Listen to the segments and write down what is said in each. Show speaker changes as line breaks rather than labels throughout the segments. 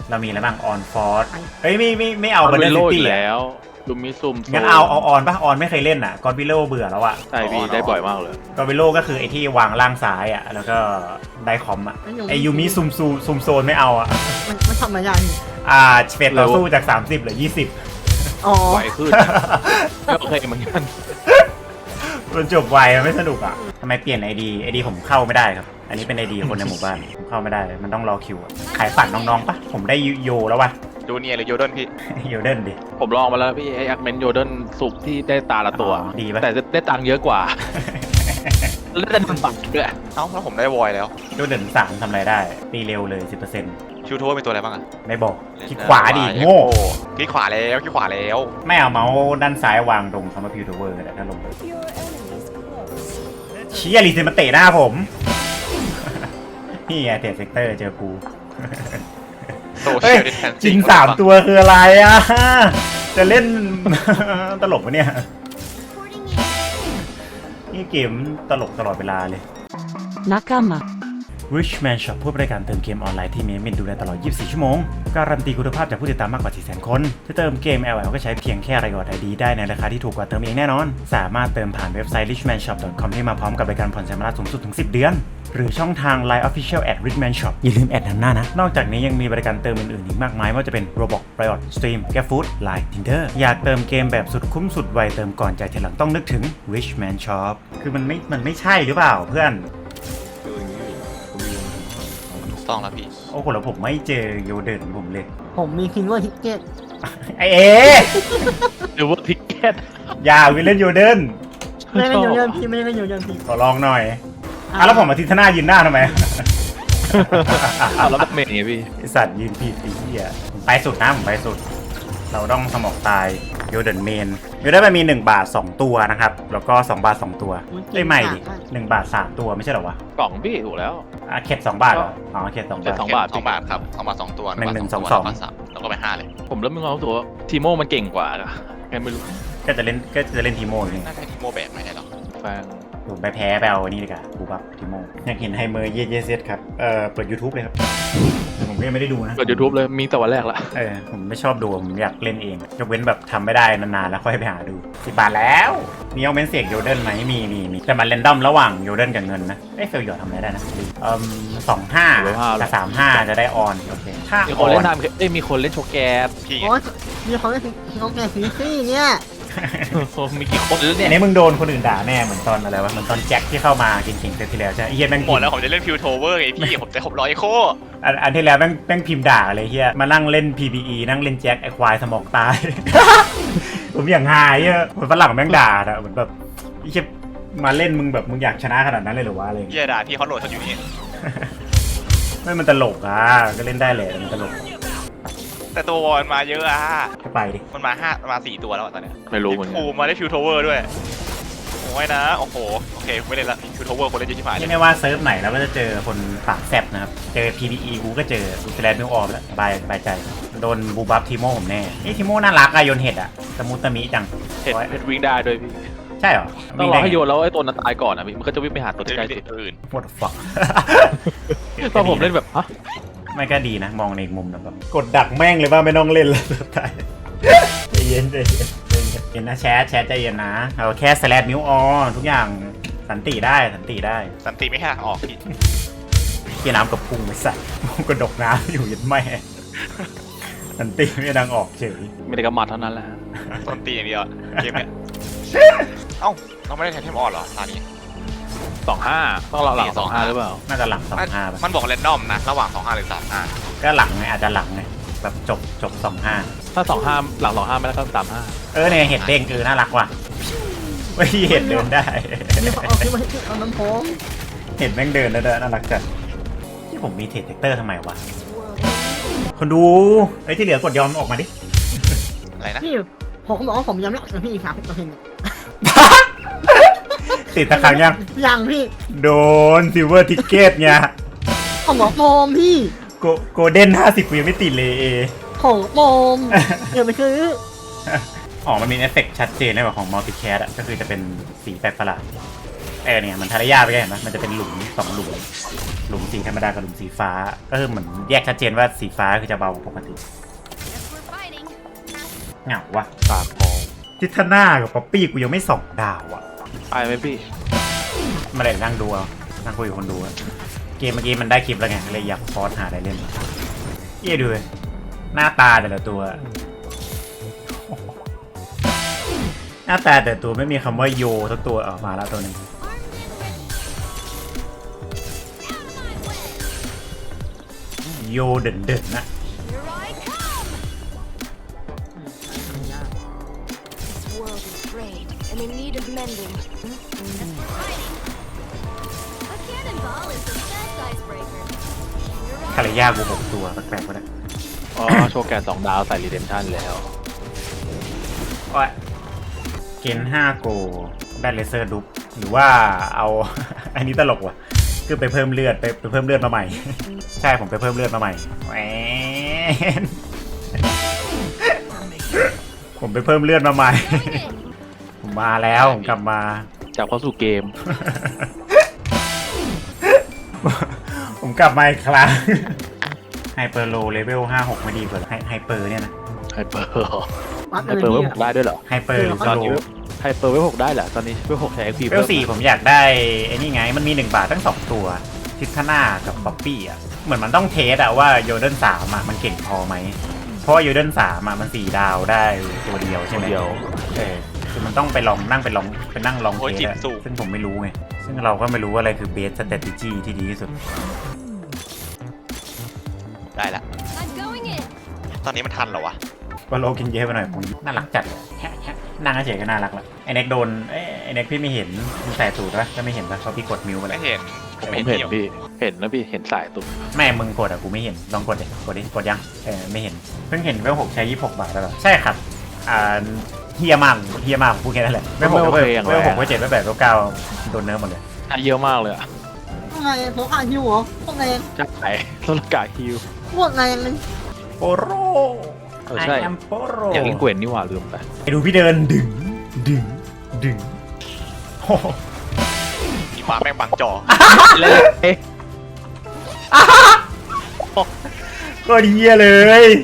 เรามีอะไรบ้างออนฟอร์สเฮ้ยไม่เอาบันเดอร์ซิตี้
แล้วดูมิซุม
งั้นเอาออนป่ะออนไม่เคยเล่นอ่ะกอดวิโลเบื่อแล้วอ่ะ
ใช่พี่ได้บ่อยมากเลย
กอดวิโลก็คือไอที่วางล่างซ้ายอ่ะแล้วก็ได้คอมอ่ะไอยูมิซุมโซนไม่เอาอ่ะ
มันทำมาอย่างนี้
เฟดเราสู้จาก30เหลือ20
อ๋อ
ไหวขึ้นโอเคเหมือนกัน
มันจบไวมันไม่สนุกอ่ะทำไมเปลี่ยนไอดีผมเข้าไม่ได้ครับอันนี้เป็นไอดีคนในหมู่บ้านผมเข้าไม่ได้มันต้องรอคิวขายฝันน้องๆปะผมได้โยแล้ววะ
ดูเนียหรือโยเดนพี่
โยเดนดิ
ผมลองมาแล้วพี่ไออักเมนโยเดนสุกที่ได้ตาละตัว
ดีป่ะ
แต่ได้ตังค์เยอะกว่าแล้วได้มันปักด้วย
เอ้าแล้วผมได้วอยแล้ว
โยเดน3ทำอะไรได้ตีเร็วเลย 10%
ชูโทมีตัวอะไรบ้างอะ
ไม่บอกคลิกขวาดิโง่
คลิกขวาแล้ว
ไม่เอาเมาส์ด้านซ้ายวางตรงคำว่าพิวเทอร์เวอร์ถ้าลงไปเชี่ยรีเซนมาเตะหน้าผมนี่ไงเตะเซกเตอร์เจอกูเฮ้ยจริง3ตัวคืออะไรอ่ะจะเล่นตลกปะเนี่ยนี่เกมตลกตลอดเวลาเลย
Nakama
Richman Shop ผู้บริการเติมเกมออนไลน์ที่มีมินดูแลตลอด 24 ชั่วโมงการันตีคุณภาพจากผู้ติดตามมากกว่า 400,000 คนจะเติมเกม LL ก็ใช้เพียงแค่รายอด ID ได้ในราคาที่ถูกกว่าเติมเองแน่นอนสามารถเติมผ่านเว็บไซต์ richmanshop.com ที่มาพร้อมกับบริการผ่อนชำระสูงสุดถึง10 เดือนหรือช่องทาง Line Official @Richman Shop อย่าลืมแอดนำหน้านะนอกจากนี้ยังมีบริการเติมอื่นๆอีกมากมายไม่ว่าจะเป็น Roblox Riot Stream GrabFood Line Tinder อยากเติมเกมแบบสุดคุ้มสุดไวเติมก่อนจ่ายทีหลังต้องนึกถึง Richman Shop คือมันไม่ใช่หรือเปล่าเพื่อน
ต้องแล้วพี่
โอ้โหแล้วผมไม่เจอโยเดนผมเลย
ผมมีคินว่าทิกเก็ต
ไอเอ
หรือว่าทิกเก็ต
อย่าวิเล่นโยเดน
ไม่ได้โยนพี่ไม่ได้โยนพี่
ขอลองหน่อยแล้วผมมาทิศหน้ายืนหน้าทำไม
แล้วแบบเมย์ไงพี่
ไอสัตว์ยืนผิดไอ้เหี้ยผมไปสุดนะผมไปสุดเราต้องสมองตายโยเดนเมนโยเดนมันมี1 บาท 2 ตัวนะครับแล้วก็2 บาท 2 ตัวได้ใหม่ดิ1 บาท 3 ตัวไม่ใช่หรอวะ
กล่องพี่ถูกแล้ว
เข็ด2 บาทเหรออ๋อเข็ด2 บาท
2 บาท
2 บาทครับเอามา2 ตัว
1 1 2 2
แล้วก็ไป5เลย
ผมเริ่มมีความรู้สึกว่าทีโม่มันเก่งกว่าอะแค่ไม่รู้
ก็จะเล่นทีโม่นี่
น่าจะทีโมแบกไหมหรอ
แฟน
ผมไปแพ้ไปเอาอันนี้ดีกว่าบูบับทีโม่อยากเห็นไฮเมอร์เยเซตครับเปิด YouTube เลยครับผมก็ยังไม่ได้ดูนะ
เปิด YouTube เลยมีแต่วันแรกละ
ผมไม่ชอบดูผมอยากเล่นเองยกเว้นแบบทำไม่ได้นานๆแล้วค่อยไปหาดู10 บาทแล้วมีเอาเมนเสียกโยเดนไหมมีแต่มันเรนดอมระหว่างโยเดนกับเงินนะเฟลหยอดทำอะไรได้นะ25กับ35จะได้ออนโอเคถ้า
มีคนเล่นทำมีคนเล่นโชแกส
พี่
โอ้มีคนเล่นโชแกสซี่เนี่ย
มีกี่คนแล้วเนี่ย
นี่มึงโดนคนอื่นด่าแน่เหมือนตอนอะไรวะเหมือนตอนแจ็คที่เข้ามาเก่งๆเซตที่แล้วใช่เฮียแม่ง
หมดแล้วผมจะเล่นฟิวโทเวอร์ไงพี่ผมจะ600โค
อันที่แล้วแม่งพิมพ์ด่าเลยเฮียมานั่งเล่น PBE นั่งเล่นแจ็คไอควายสมองตายผมอย่างหายอ่ะคนฝรั่งแม่งด่าอะเหมือนแบบไอ้เฮียมาเล่นมึงแบบมึงอยากชนะขนาดนั้นเลยหรือวะอะไร
เฮียด่าพี่เขาโหลดเขาอยู่นี่
ไม่มันตลกอ่ะก็เล่นได้แหละมันตลก
แต่ตัววอนมาเยอะอ่ะ
ไปดิ
มันมา4 ตัวแล้วตอนเนี้ย
ไม่รู้เหมือนกัน
มาได้ฟิวโทเวอร์ด้วยโอ้ยนะโอ้โหโอเคไม่เล่นละฟิวโทเวอร์คนเล่นเยอะชิบหาย
ไม่ว่าเซิร์ฟไหนแล้วก็จะเจอคนปากแซบนะครับเจอ PBE กูก็เจอกูแสลนด์มิวออฟแล้วสบายใจโดนบูบัฟทีโม่ผมแน่นี่ทีโม่น่ารักอะโยนเห็ดอะตะมุตะมิจัง
เห็ดวิ่งได้ด้วยพี่
ใช่เหรอ
ต้องรอให้โยนแล้วไอ้ตัวนั้นตายก่อนอะพี่มันก็จะวิ่งไปหาตัวที่ใกล้สุด
อื่น
What the fuck
ตอนผมเล่นแบบฮะ
ไม่ก็ดีนะมองในมุมแบบกดดักแม่งเลยว่าไม่ต้องเล่นแล้วสุดท้ายใจเย็นนะแชทใจเย็นนะเอาแค่สแลดมิวออนทุกอย่างสันติได้
สันติไม่ให้ออก
พี่น้ำกับพุงไปใส่กระดกน้ำอยู่ยันไม่สันติไม่ดังออกเฉย
ไม่ได้กระมัดเท่านั้นแหละ
ต้นตีอย่างเดียวเกมเนี้ยเอ้าเราไม่ได้แทนเทมออนเหรอตอนนี้
25ต้องหลัง25หรือเปล่า
น่าจะหลัง25
มันบอกแรนดอมนะระหว่าง25หรือ35
ก็หลังไงอาจจะหลังไงแบบจบ
25ถ้า25หลัง25ไม่แล้วก็35
เนี่ยเห็ดเด้งน่ารักว่ะไม่เห็ดเดินได้
เอาน้ำโค้ง
เห็ดแม่งเดินแล้วน่ารักจัดที่ผมมีเทรดเตอร์ทำไมวะคนดูไอ้ที่เหลือกดยอมออกมาดิ
อะไรนะ
พี่ผมบอกว่าผมยอมแล้วพี่ครับตัวเอง
ติดตะขัง
ยังพี่
โดนซิลเวอร์ทิกเก็ตไง
ของโมมพี่
โกลเด้น50กูยังไม่ติดเลย
ของโมมเดี๋ยวไปซื้อ
มันมีเอฟเฟกต์ชัดเจนในแบบของมัลติแคสอะก็คือจะเป็นสีแปลกประหลาดเนี่ยมันทารยาไปไงเห็นไหมมันจะเป็นหลุม2 หลุมหลุมสีธรรมดากับหลุมสีฟ้าก็คือเหมือนแยกชัดเจนว่าสีฟ้าคือจะเบากว่าปกติเหงาวะ
ปากพอง
ทิทน่ากับป๊อปปี้กูยังไม่2 ดาวอ่ะ
ไปไหมพี่
มาเลยนั่งดูเอานั่งคุยกับคนดูอะเกมเมื่อกี้มันได้คลิปแล้วไงเลยอยากพอสหาอะไรเล่นเยี่ยดูเลยหน้าตาแต่ละตัว หน้าตาแต่ตัวไม่มีคำว่าโยสักตัวออกมาแล้วตัวหนึงโยเด่นๆนะ
World is frayed and in need of mending. A cannonball is the best icebreaker.
คาริยากู6 ตัวแปลกๆก็ได้
อ๋อ โชว์แกน2 ดาวใส่รีเดมชั่นแล้ว
ว่าเกณฑ์5 โกได้เลเซอร์ดุ๊บหรือว่าเอา อันนี้ตลกว่ะคือไปเพิ่มเลือดไปเพิ่มเลือดมาใหม่ ใช่ผมไปเพิ่มเลือดมาใหม่แหวน ผมไปเพิ่มเลือดมาใหม่ ผมมาแล้วผมกลับมา
จับเข้าสู่เกม
ผมกลับมาอีกครั้งไฮเปอร์โลเลเวล56ไม่ดีกว่าไฮเปอร์เนี่ยนะ
ไฮเปอร์
วัด
ไฮ
เลย
เปอร์เว
พี่
ล6ได้ด้วยเหรอ
ไฮเปอร์หรือ
ต
ส
อน
โล
นี้ไฮเปอร์เวล6ได้เหรอ ตอนนี้เวล6ใช้ XP
เลเวล4ผมอยากได้ไอ้นี่ไงมันมี1 บาททั้ง2 ตัวทิทน่ากับป๊อปปี้อ่ะเหมือนมันต้องเทสอะว่าโยเดน3อะมันเก่งพอไหมเพราะว่าโยเดน3อะมัน4 ดาวได้ตัวเดียวใช่ไหม
เดียว
คือมันต้องไปลองนั่งไปนั่งลอง
โอ้ย
เท
จิ
ส
ต
อะ
สูง
ซึ่งผมไม่รู้ไงซึ่งเราก็ไม่รู้ว่าอะไรคือเบสสเตตจี้ที่ดีที่สุด
ได้ละ
I'm going in.
ตอนนี้มันทันเหรอวะ
ก็โลกินเยอะไปหน่อยผมน่ารักจัดเลยนั่งเฉยๆก็น่ารักละไอเน็กโดนไอเน็กพี่ไม่เห็นมันใส่สูตรปะก็ไม่เห็นปะเพราะพี่กดมิวไปแล้
ไม่
ว
เห็นผม
ผม
ไม่
เห็น
เห็น
พี่ เห็นนะพี่ เห็นสายตุ้ม
แม่มึงกดอะกูไม่เห็นลองกดดิกดยังไม่เห็นเพิ่งเห็นเวล6ใช้26 บาทแล้วเหรอใช่ครับเฮียมากผมพูดแค่นั้นแหละเวล6เวล6เวล7เวล8เวล9โดนเนิร์ฟหมดเลย
เยอะมากเลยอะ
พวกไงพวกอาฮิวเหรอพวกไง
จะไก่ต้นกาฮิว
พวกไงมัน
โปโร
ใช่
I am โปโร
อยากเล่นเกวนนี่หว่าลืมไป
ไปดูพี่เดินดึงโอ้โห
มีมาแม่งบังจอ
เอ๊ะ
ก็เฮียเลย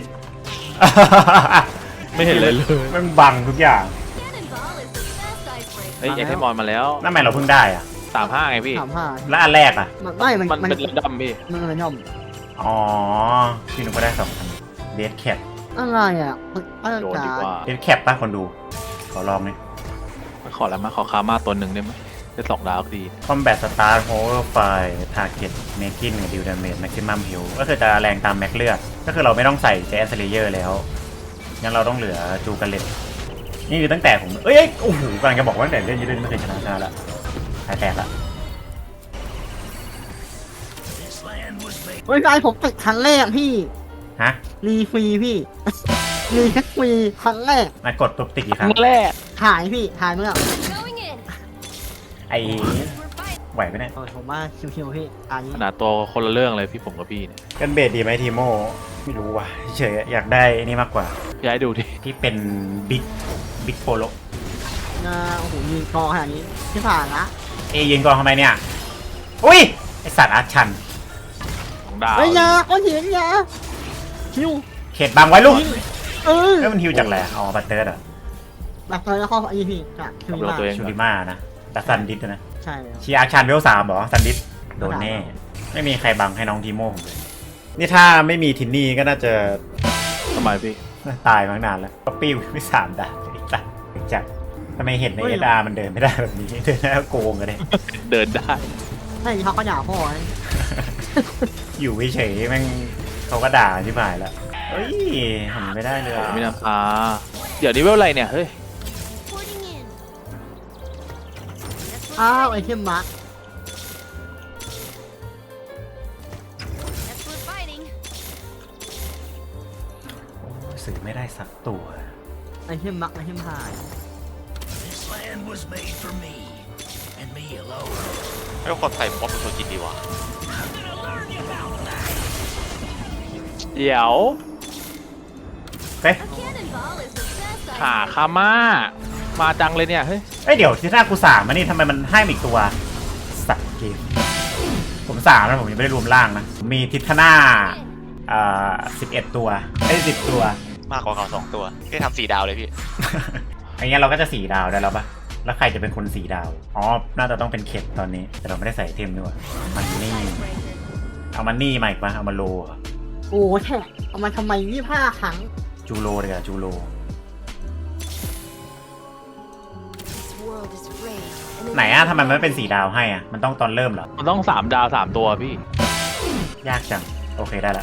ไม่เห็นเลยเลย
มันบังทุกอย่าง
Cannonball is the best icebreaker.
เฮ้ยยังให้มอนมาแล้ว
นั่นหมายเราเพิ่งได้อะ
35ไงพี่
35
แล้วอันแรกอะ
มันไม่มัน
มันเป็นระดับพี่
มันเป็นย่อม
อ๋อพี่นุก็ได้2,000เบสแคป
อะไรอ่ะอะไร
โดน
จ๋า
ดีกว่า
เบสแคปป่ะคนดูขอลองนี่
ขอแล้วมาขอคามาตัวหนึ่งได้ไหมได้2 ดาวก็ดี
คอมแบทสตาร์โฮเวอร์ไฟทาร์เก็ตเมกินกับดิวดาเมจแม็กซิมัมฮิลก็คือจะแรงตามแม็กเลือดก็คือเราไม่ต้องใส่แจสเลเยอร์แล้วงั้นเราต้องเหลือจูกันเลตนี่คือตั้งแต่ผมโอ้โหกำลังจะบอกว่าตั้งแต่เล่นยูเดนไม่เคยชนะแล้วหายแตกละ
เฮ้ยไอผมติดครั้งแรกพี่
ฮะ
รีฟรีพี่ รีแค่ฟรีครั้งแรก
มากดปุ๊บติดกี่ครั้ง
แรก
หายพี่หายเมื่อ
Going in.
ไอ้
We're fighting.
ไหวไหมเนี่ย
โอ้ยผมว่าชิวๆพี่อันนี้
ขนาดตัวคนละเรื่องเลยพี่ผมกับพี่เนี่ย
กันเบสดีไหมทีโมไม่รู้ว่ะเฉยๆอยากได้นี่มากกว่า
ย้ายดูดิ
ที่เป็นบิ๊กโปโล
นะโอ้โหยืนกองขนาดนี้ที่ผ่านละ
ยืนกองทำไมเนี่ยอุ้ยไอสัตว์อาร์ชัน
2 ดาว
เฮ้ยยาก้อนหินยาชิว
เขตบังไว้ลูก
เออ
แล้วมันฮิวจากแหละอ๋อบัตเตอร์เหรอ
แบบเลยแล้วข้อไอ้พี่จากชิว
กับเรา
มาก
ตัวเอง
ชู
ก่อ
ริ
น
มานะแต่ซันดิสนะ
ใช่แล้ว
ชีอาร์ชันเวล3เหรอซันดิสโดนแน่ ไม่มีใครบังให้น้องทีโม่ผมเลยนี่ถ้าไม่มีทินนี่ก็น่าจะ
ทำไมพี่
ตายมาตั้งนานแล้วก็ปิ้วไม่3 ดาวไอ้สัตว์ไอ้จักทำไมเห็นในเอดามันเดินไม่ได้แบบนี้เดินได้ก็โกงกันเลย
เดินได้
ใช่เขาก็ด่าพ่อนะ
อยู่เฉยๆแม่งเขาก็ด่าที่ผ่านแล้วเฮ้ยทำไม่ได้เลยอะ
ไม่นาคาเดี๋ยวนี้เวลอะไรเนี่ยเฮ้ย
Porting in.
อ้าวไอเทมมาร์
Yes, we're fighting.
สื่อไม่ได้สักตัว
ไอเทมมาร์ไอเทมหาย
This land was made for me, and me alone.
ไม่ว่าคนใส่ป๊อปเป็นตัวกินดีวะ
เดี๋ยว
เฮ้ย
A cannonball is the best
หา
icebreaker.
คามามาจังเลยเนี่ยเฮ้ย
เดี๋ยวที่หน้ากู3มานี่ทำไมมันให้มาอีกตัวสัตว์เกมผม3นะผมยังไม่ได้รวมล่างนะมีทิทนา11 ตัวได้10 ตัว
มากกว่าเขา2 ตัวแค่ทำ4 ดาวเลยพี่
อย่างเงี้ยเราก็จะ4 ดาวได้แล้วปะแล้วใครจะเป็นคน4 ดาวอ๋อน่าจะต้องเป็นเข็ดตอนนี้แต่เราไม่ได้ใส่เทมด้วยมันนี่
Icebreaker.
เอามันนี่มาอีกปะเอามาโลเหรอ
โอ้แค่เอามาทำไม25 ครั้ง
จูโรเลยอะจูโร
This world is rage. and
ไหนอะทำไมมันไม่เป็น4 ดาวให้อะมันต้องตอนเริ่มเหรอ
มันต้อง3 ดาว 3 ตัวพี่
ยากจังโอเคได้ละ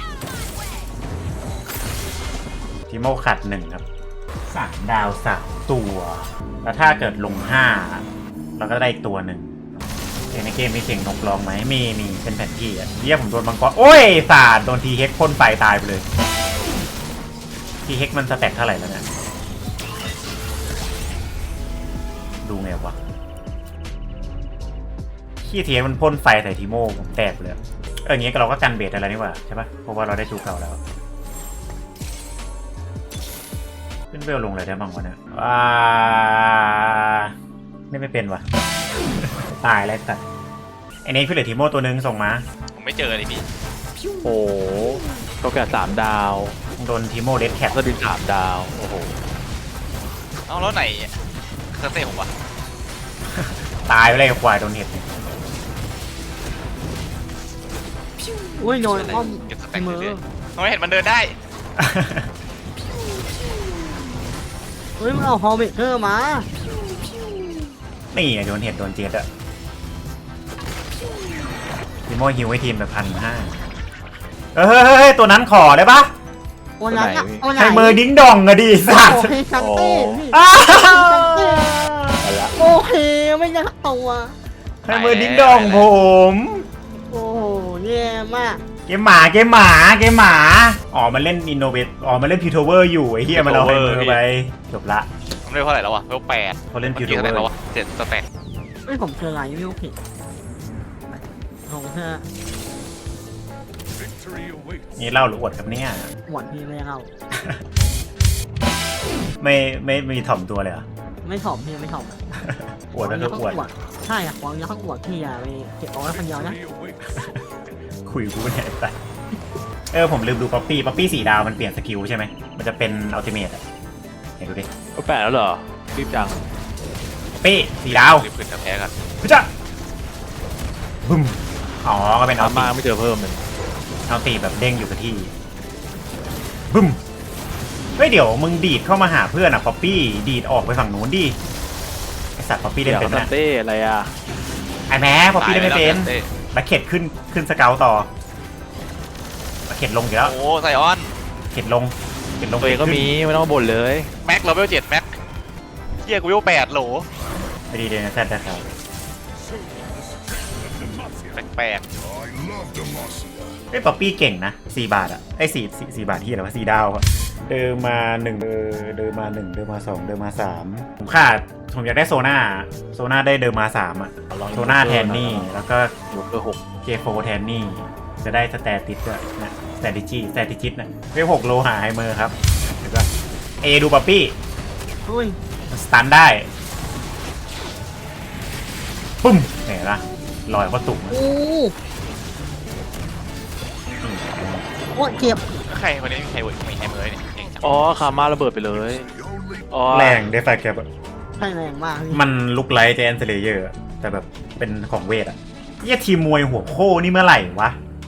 ทิโมขัด1ครับ3 ดาว3 ตัว แล้วถ้าเกิดลง5เราก็ได้อีกตัวหนึ่งในเกมมีเสียงนกร้องไหมมีเป็นแผนที่อะเรียกผมโดนมังกรโอ้ยสาดโดนทีเฮกพ่นไฟตายไปเลยทีเฮกมันสแต็กเท่าไหร่แล้วเนี่ยดูไงวะขี้ทีเฮกมันพ่นไฟใส่ทีโมผมแตกเลยอย่างงี้เราก็กันเบสอะไรนี่หว่าใช่ปะเพราะว่าเราได้จูเก่าแล้วขึ้นเวลลงเลยได้บ้างวะเนี่ยไม่เป็นวะ ตายแล้วแต่ไอ้นี่คือเหลือทีโมตัวนึงส่งมา
ผมไม่เจอเลยพี่
โอ้โหก็แค่3 ดาว
โดนทีโมเดดแคท
ก็ดิน3 ดาว โอ้โห
เอ้าแล้วไหนเคอร์เต้ผมวะ
ตายไปเลยควายโดนเห็ดเนี่ย
อุ้ยโดนอ้อม
เก็บสแต็ก
มือ
เรื่อยๆทำไมเห็นมันเดินได้
เฮ้ยมันเอาฮอลเบเกอร์มา
นี่ไงโดนเห็ดโดนเจ็ดอะทีโมฮิวให้ทีมไป1,500เฮ้ยตัวนั้นขอได้ปะ
วันนั้นอะวันไหน
ใช้มือดิ้งดองอะดิสัตว์
โอเคชันเต้พี่
อ้าว
เอาละ
โอเคไม่ได้ตัว
ใช้มือดิ้งดองผม
โอ้โหแย่มาก
เกมหมาอ๋อมันเล่นอินโนเวทอ๋อมันเล่นพิวโทเวอร์อยู่ไอ้เหี้ยมันเอาให้มือไปจบละ
ผมได้เท่าไหร่แล้ววะเท่า8
เขาเล่น
มื่อกี้
Piltover
เท่าไหร่แล้ววะ7 สแต็ก
เฮ้ยผมเจออะไรไม่รู้ผิดลงเถอะ
นี่เล่าหรืออวดครับเนี่ย
หวดพี่ไม่เอา
ไม่มีถ่อมตัวเลยเหรอ
ไม่ถ่อมพี่ไม่ถ่อม
อวดก็คืออวด
ใช่อะหวังยังต้องอวดพี่อย่าไปเก็บเอาไว้คนเดียวนะ
คุยกูเนี่ยไปผมลืมดูป๊อปปี้4 ดาวมันเปลี่ยนสกิลใช่ไหมมันจะเป็นอัลติเมทอะเห็นดูดิ
ก็8แล้วเหรอ รีบจัง
ป๊อปปี้4 ดาว
รีบขึ้นจะแพ้กัน
พุจ้าบึ้มอ๋อก็เป็น
ตามมาไม่เจอเพิ่มเลย
เอาตีแบบเด้งอยู่กับที่บึ้มเฮ้ยเดี๋ยวมึงดีดเข้ามาหาเพื่อนอะป๊อปปี้ดีดออกไปฝั่งนู้นดิไอสัตว์ป๊อปปี้เล่นเป็น
ซั
นะ
นเต้อะไรอ่ะ
ไอแม้ป๊อปปี้เล่นไม่เป็น
ตายไปแล้ว
แล้วเข็ดขึ้นสเกลต่อแล้วเข็ดลงอยู่แล้ว
โอ้ไซออน
เข็ดลง
ตัวเองก็มีไม่ต้องมาบ่นเลย
แม็กเลเวล7 แม็กเฮียกูเลเวล8โหล
ไปดีเดนแซดนะครับ
แปลก
ไอ้ยป๊อปปี้เก่งนะ4 บาทอะไอ้4 บาทที่อะไรวะ4 ดาวอะเดิมมา1เดิมมา1เดิมมา2เดิมมา3ผมขาดผมอยากได้โซน่าได้เดิมมา3อะโซน่าแทนนี่แล้วก็
ยกเบอร์6
เจโฟแทนนี่จะได้สแตติสด้วยนะสแตติจิตนะเวล6โลหาไฮเมอร์ครับแล้วก็ดูป๊อปปี้
อุ้ย
สตันได้ปุ้มเห็นปะลอยก็ตุ่ม
โอ้โอ้เจ็บ
ใครคนนี้มีใครเวิร์ดมีใครเมย์เนี่ยเก่งจัง
อ๋อคามาระเบิดไปเลย อ๋อ
แรงได้ไฟแคป
ใช่แรงมากพี่
มันลุกไลท์เจนเซเลเยอร์แต่แบบเป็นของเวทอะเยี่ยทีมมวยหัวโค้นี่เมื่อไหร่วะ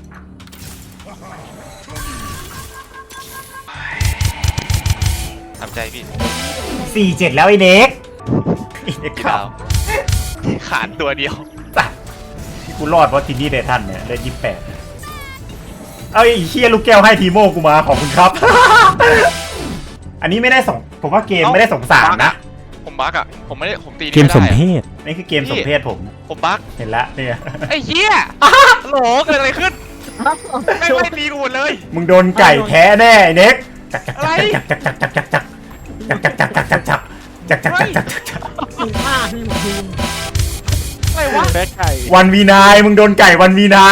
ทำใจพี่
4-7 แล้วไอ้เด็กไอ้เด็ก
พี่
ข่า
ดาว วขาดตัวเดียว
ที่กูรอดเพราะทีนี่เดทันเนี่ยได้28เอาไอ้เฮียลูกแก้วให้ทีโมกูมาขอบคุณครับ อันนี้ไม่ได้ผมว่าเกมไม่ได้สงสารนะ
ผมบั๊กอ่ะผมไม่ได้ผมตีนี่
เกม
ไม่
สม
ได้
เพ
อะ
ศนี่คือเกมสมเพศผม
ผมบั๊ก
เห็นละเนี่ย
ไอ้เหี้ยโหลเกิดอะไรขึ้นแม่งไม่ตีกูหมดเลย
มึงโดนไก่แท้แน่ไอ้เน็ก
อะไร
ทีมมากพี่หมดทีม
อะไรวะ
แพ้ไก่
วันวีนายมึงโดนไก่วันวีนาย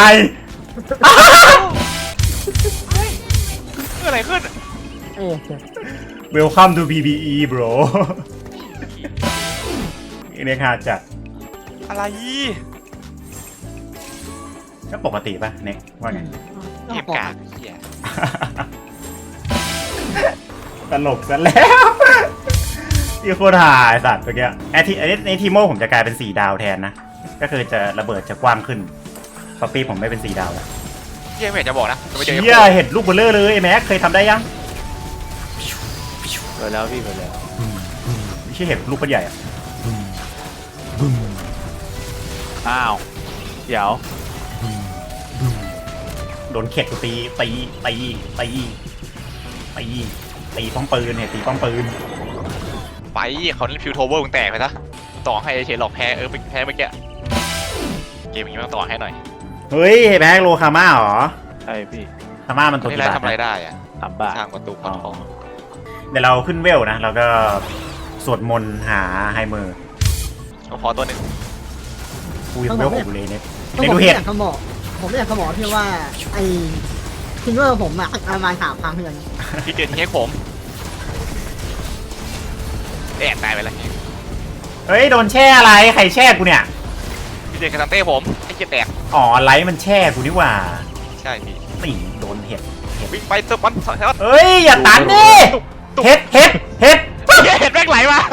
เกิดอะไรขึ้น
เอ๊ะเจ็บ
Welcome to PBE bro ไอ้เน็กหาจัด
อะไร
ก็ปกติป่ะเน็กว่าไง
เกมกากเหี้ย
ตลกซะแล้วที่โคตรหายสัตว์เมื่อกี้ไอทีโมผมจะกลายเป็น4 ดาวแทนนะ ก็คือจะระเบิดจะกว้างขึ้นป๊อปปี้ผมไม่เป็น4 ดาวแล้ว
เหี้ยไม่อยากจะบอกนะจะไม่เจอ
เชี่ยเห็ดลูกเบลเลอร์เลยไอ้แม็กเคยทำได้ยัง
ไปแล้วพี่ไปแล้ว
ไม่ใช่เห็ดลูกเป็นใหญ่อะ
อ้าวเดี๋ยว
โดนเข็ดกูตีป้อมปืนเห็ดตีป้อมปืน
ไปเขาเล่นฟิวโทเวอร์มึงแตกไปซะต่อให้เฉยหลอกแพ้แพ้เมื่อกี้เกมอย่างนี้ต้องต่อให้หน่อย
เฮ้ยแม็กโลคาม่าเหรอ
ใช่พี่
คาม่ามันตัว
นี่
กี่
ไร
บาท
ทำอะไร
นะ
ได้อะ
3 บาท
สร้างประตูพันทอง
เดี๋ยวเราขึ้นเวลนะเราก็สวดมนต์หาไฮเมอร์
ก็พอตัวหนึ่ง
กูยังเวล6เลยเนี่ย
ผม
เน็ก
ไม่
ดู
อ
เห็ด
ยากจะบอกผมไม่อยากจะบอกที่ว่าไอ้ทิงเกอร์ผมอะประมาณ3 ครั้งเพื่อน
พี่เกดเค้กผมแอบตายไปแล้ว
เฮ้ยโดนแช่อะไรใครแช่กูเนี่ย
พี่เจคาซันเต้ผมไอ้เกียแตก
อ๋อไลท์มันแช่กูนี่หว่า
ใช่พี่
นี่โดนเห็ด
วิ่งไปเติมมันถอยแล้ว
เฮ้ยอย่าตันดิเห็ดเห็ด
เห็ดแม่งไหลมา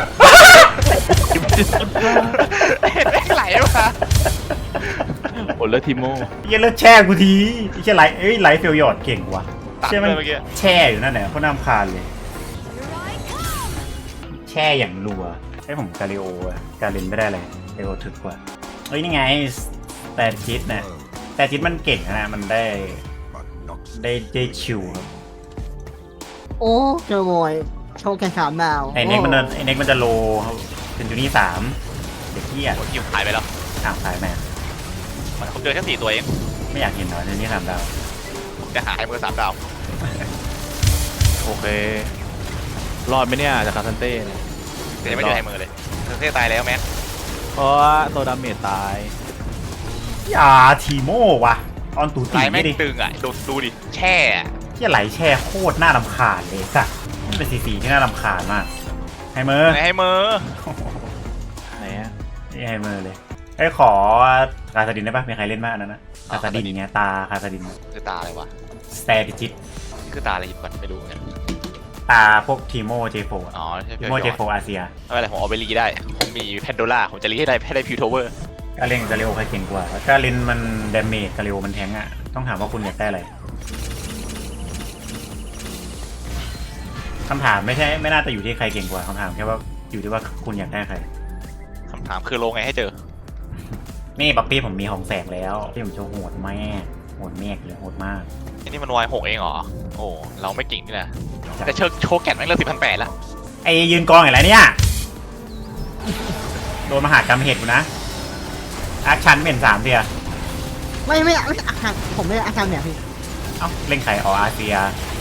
เห็ดแม่งไหลมา
โอเลทิโม
อย่าเลิกแช่กูทีไอ้แช่ไลท์ไลท์เฟลยอดเก่งว่ะ
ตัด
ใช่
เล
มัน
ยเมื่อกี้
แช่อยู่นั่นแหละเขาน้ำคาญเลย
Here I come.
แช่อย่างรัวให้ผมกาลิโออะกาลินไม่ได้เลยกาลิโอถึกกว่าเฮ้ยนี่ไงแต่จิตนะแต่จิตมันเก่งนะมันได้ชิวครับ
โอ้เจอโวยโชว์แค่3 ดาว
ไอเน็กมันจะโลเป็นจูนี่3เด็กเที่ย
โอ้ยคิวหายไปแล้ว
อ้าวขายแม่
ผมเจอแค่4 ตัวเอง
ไม่อยากเห็นหรอจูนี่3 ดาว
ผมจะหาให้มือ3 ดาว
โอเค รอดไหมเนี่ยจากคาซันเต้เนี่ย
แต่ยังไม่เจอให้มือเลยเต้ตายแล้วแม็ก
เพราะว่าตัวดาเมจตาย
อย่าทีโม่วะออนตู
ไหล
ตี
แม่
ไม่
ง
ดิ
ตึงอ่ะดูดิแช่อะ
ที่ไหลแช่โคตรน่ารำคาญเลยสัสมันเป็นสีที่น่ารำคาญมากไฮเมอร์
ไหนให้มือ
ไหนอะ
นี่ไฮเมอร์เลยไอ้ขอคาซาดินได้ปะมีใครเล่นบ้างอันนั้นนะคาซาดินอย่างเงี้ยตาคาซาดิน
คือตาอะไรวะ
สเตติจิต
นี่คือตาอะไรหยิบก่อนไม่รู้เหมือนกัน
ตาพวกทีโมเจโฟ
อ๋อใช่
ที
พี่
โมเจโฟอาเซีย
ไม่เป็นไรผมเอาไปรีได้ผมมีแพนโดล่าผมจะรีให้ได้ฟิวโทเวอร์
กาเลนกาเลโอใครเก่งกว่าแล้วกาเลนมันเดเมจกาเลโอมันแทงอ่ะต้องถามว่าคุณอยากได้อะไรคำถามไม่น่าจะอยู่ที่ใครเก่งกว่าคำถามแค่ว่าอยู่ที่ว่าคุณอยากได้ใคร
คำถามคือลงไงให้เจอ
นี่บักปี้ผมมีของแสงแล้วที่ผมจะโหดแม่โหดแม่เลยโหดมาก
อันนี้มันวาย6เองเหรอโอ้เราไม่เก่งนี่นะแต่โชว์แกนแม่งเลือก10,800แล้ว
ไอ้ยืนกองอย่างไรเนี่ยโดนมหากรรมเหตุกูนะอาชันเป็น3เดีย
ไม่อาการผมไม่อาการเนี่ยพี่
เอ้าเล่นไข่ออาเซีย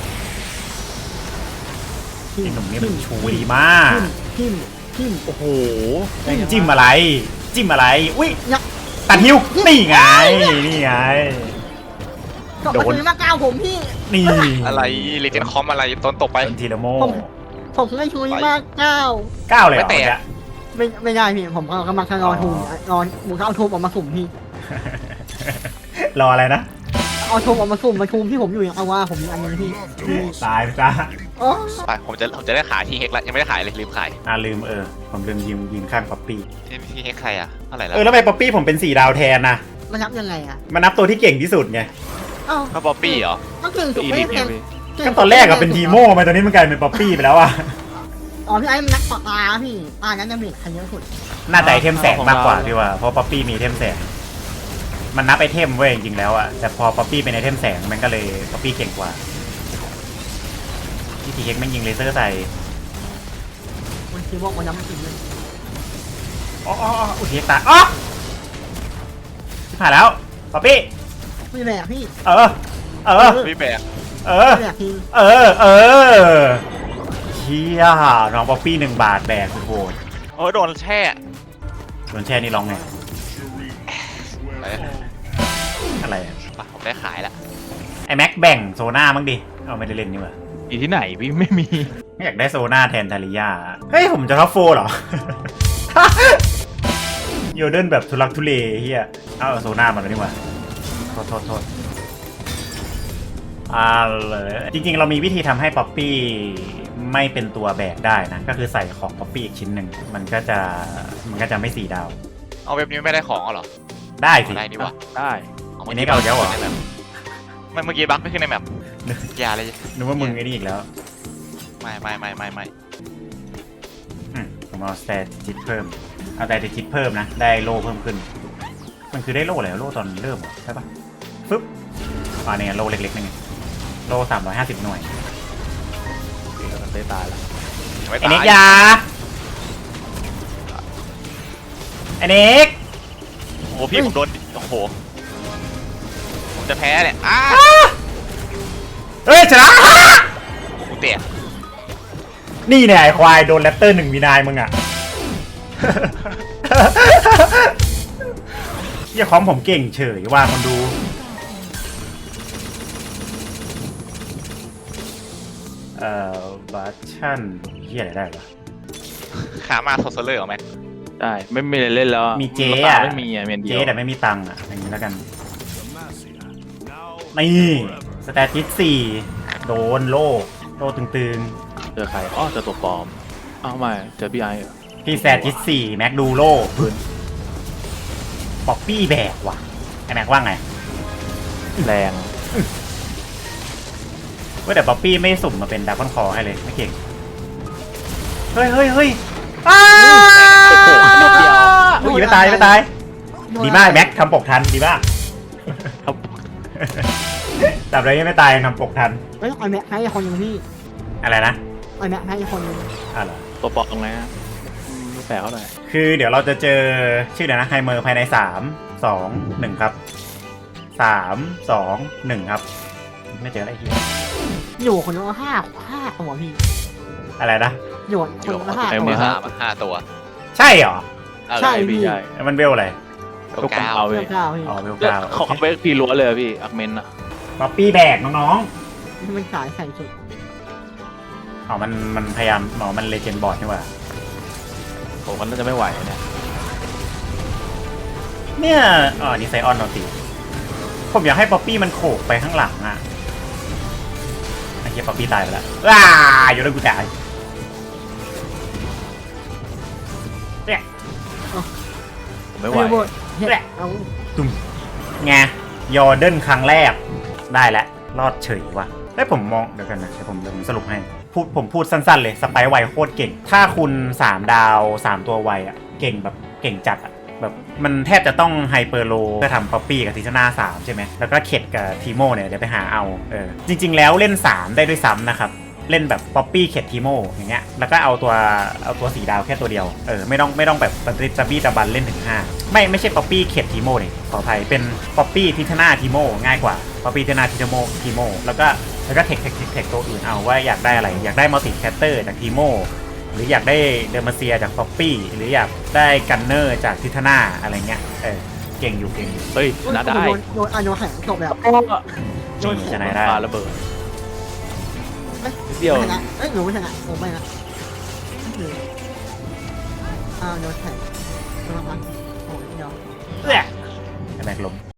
ไอ้หนุ่มนี่มันชูดีมาก
ทิม
โอ้โห
จิ้มอะไร อุ้ย
ยัก
ตัดฮิวนี่ไงนี่ไง
ก็
โดน
มาซื้อมาก้าวผมพี่
นี่
อะไรเลเจนด์คอมอะไรต้นตกไป
เป็นทีละโม
ผมไม่ช่วยมากก้าว
9เลยเหรอ
ไม่แตะ
เนี่ย
ไม่ได้พี่ผมกำลังจะรอทูมรอหมูเขาเอาทูมออกมาสุ่มพี่
รออะไรนะ
เอาทูมออกมาสุ่มมาทูมที่ผมอยู่อย่างเอาว่าผมมีอันนึงพี่
ตายไปจ้า
โอ้
ไปผมจะได้ขายที่เฮกแล้วยังไม่ได้ขายเลยลืมขาย
ลืมผมลืมยืนข้างป๊อปปี้
ที่เฮกใครอะเท่าไหร่แล้ว
แล้วทำไมป๊อปปี้ผมเป็น4 ดาวแทนนะ
มันนับยังไงอะ
มันนับตัวที่เก่งที่สุดไง
เอ้า
ก็ป๊อปปี้เหรอ
ก็เก่งสุด
อี
ไม่
ลิ
ได้
ท
แพ
เนี่ย
ง
พี่
ก็ตอนแรกอะเป็นทีโม่มาตอนนี้มันกลายเป็นป๊อปปี้ไปแล้วอะ
อ๋อพี่ไอ้มันนักปากตาพี่ตานั้นจะมีใครเยอะสุด
น่าจะไอเทมแสงมากกว่าพี่ว่าเพราะป๊อปปี้มีไอเทมแสงมันนับไอเทมเว้ยจริงๆแล้วอะแต่พอป๊อปปี้เป็นไอเทมแสงมันก็เลยป๊อปปี้เก่งกว่าที่ทีเฮกมันยิงเลเซอร์ใส่
มันคิดว่ามันนับจริงเลย
อ๋ออุยเฮกตายอ๋อที่ผ่านแล้วป๊อปปี้
ไม่แบกพี่
เออ
พี่แบก
ไม่แบกพี่
เชี่ยน้องป๊อปปี้1 บาทแบกสุดโหด
โอ้ยโดนแช่
โดนแช่นี่ร้องไง
อะไร
อะไรอะ
ผมได้ขายละ
ไอแม็กแบ่งโซน่ามั้งดิเอาไม่ได้เล่นนี่หว่า
อีที่ไหนพี่ไม่มี
ไม่อยากได้โซน่าแทนทาริยาเฮ้ยผมจะท็อปโฟเหรอ โยเดินแบบทุลักทุเลเฮียเอาโซน่ามาแล้วนี่หว่าโทษเลยจริงๆเรามีวิธีทำให้ป๊อปปี้ไม่เป็นตัวแบกได้นะก็คือใส่ของป๊อปปี้อีกชิ้นหนึ่งมันก็จะไม่4 ดาว
เอาเว็บนี้ไม่ได้ของเหรอ
ได้สิ
ได้นี่วะ
ได้
อันนี้เอาแล้วเหรอ
ไม่เมื่อกี้บั๊กไม่ขึ้นในแมปอย่าเลย
นึกว่ามึงไอ้นี่อีกแล้ว
ไม่
ผมเอาสเตติสเพิ่มเอาแต่ติสเพิ่มนะได้โล่เพิ่มขึ้นมันคือได้โล่อะไรโล่ตอนเริ่มเหรอใช่ปะปึ๊บเนี่ยโล่เล็กๆนึงโล่350 หน่วย
พี่ก็เตะตายแล้ว
ไม่
ไอ้
ตาย
เน็กยาไอ้เน็ก
โอ้โหพี่ผมโดนโอ้โหผมจะแพ้เนี่ยอ้า
เฮ้ยชนะ
กูเตะ
นี่เนี่ยไอ้ควายโดนแรปเตอร์1 มีนายมึงอ่ะ เฮียของผมเก่งเฉยว่าคนดูบัตชั่นเฮียอะไรได้ปะ
ขามาโซเลอร์เหรอแม็ก
ได้ไม่มีอะไรเล่นแล้ว
มีเจ๊อะ
ไม่มีเมนเดี
เจ๊
ยว
แต่ไม่มีตังค์อ่ะอย่างนี้แล้วกัน
Now
นี่สแตติส4โดนโล่ตึง
เจอใครอ๋อเจอตัวปลอมอ้าวไม่เจอพี่ไอเหรอ
ๆพี่สแตติส4แม็กดูโล่ป๊อปปี้แบกว่ะไอแม็กว่าไง
แรง
ว่าแต่ป๊อปปี้ไม่สุ่มมาเป็นดาร์คอนคอให้เลยไม่เก่งเฮ้ยอ้า
โอ้โหนิดเดียว
อุ้ยไม่ตายดีมากแม็กทำปกทันดีมาก
ครับ
แต่ไรยังไม่ตายทำปกทัน
เฮ้ยไอ้แม็กให้คนหนึงพี่
อะไรนะ
ไอ้แม็กให้คนหนึง
อะไรอ
ตัวปลอมตรงไหนอะไม่แปลกเท่าไหร่
คือเดี๋ยวเราจะเจอชื่อเดี๋ยวนะไฮเมอร์ภายใน3 2 1ครับ3 2 1ครับไม่เจออะไรเฮีย
อยู่คนละห้าตัวพี่
อะไรนะ
อยู่คนละห้า
ไอ้
ตัว
มือ5 ตัว
ใช่เหรอ
ใช่
พี่ใช่
มันเวลอะไร
ลูกกระเอา
เพื่
พี่
อนเก้าพี่
อ๋อเวล
ก็
เก้า
เขาเอาไปพีล้วนเลยอะพี่อักเมนอะ
ป๊อปปี้แบกน้อง
ที่มันขายแข่งสุด
ๆอ๋อมันพยายามมันเลเจนด์บอร์ดนี่หว่า
ผมก็น่าจะไม่ไหวเนี่ย
เนี่ยนี่ไซออนเราตีผมอยากให้ป๊อปปี้มันโขกไปข้างหลังอ่ะไอ้เหี้ยป๊อปปี้ตายไปแล้วอยู่แล้วกูตายเนี่ย
ผมไม่ไหว
เฮ้ยเอา
ตุ้มไงยอร์เดนครั้งแรกได้แล้วรอดเฉยว่ะได้ผมมองเดี๋ยวกันนะเดี๋ยวผมสรุปให้ผมพูดสั้นๆเลยสไปร์ไวโคตรเก่งถ้าคุณ3 ดาว 3 ตัวไวอ่ะเก่งแบบเก่งจัดอ่ะแบบมันแทบจะต้องไฮเปอร์โลเพื่อทำป๊อปปี้กับทิชนา3ใช่ไหมแล้วก็เข็ดกับทีโมเนี่ยเดี๋ยวไปหาเอาจริงๆแล้วเล่น3ได้ด้วยซ้ำนะครับเล่นแบบป๊อปปี้เข็ดทีโมอย่างเงี้ยแล้วก็เอาตัว4 ดาวแค่ตัวเดียวไม่ต้องแบบจะบี้ตะบันเล่นถึง5ไม่ใช่ป๊อปปี้เข็ดทีโมเลยขออภัยเป็นป๊อปปี้ทิชนาทีโมง่ายกว่าป๊อปปี้ทิชนาทีโมแล้วก็เทคตัวอื่นเอาว่าอยากได้อะไรอยากได้มัลติแคตเตอร์จากทีโมหรืออยากได้เดอร์มาเซียจากป๊อปปี้หรืออยากได้กันเนอร์จากทิทนาอะไรเงี้ยเก่งอยู่
เฮ้ยชนะได้
โดนโดนแข่งจบแล้ว
นี่ชนะได้
ปาระเบิดเดียว
ชนะเอ้ยหนูไม่ชนะผมไม่นะโดนแข่งโดนพันโอ้ยเดียว
แม็กลม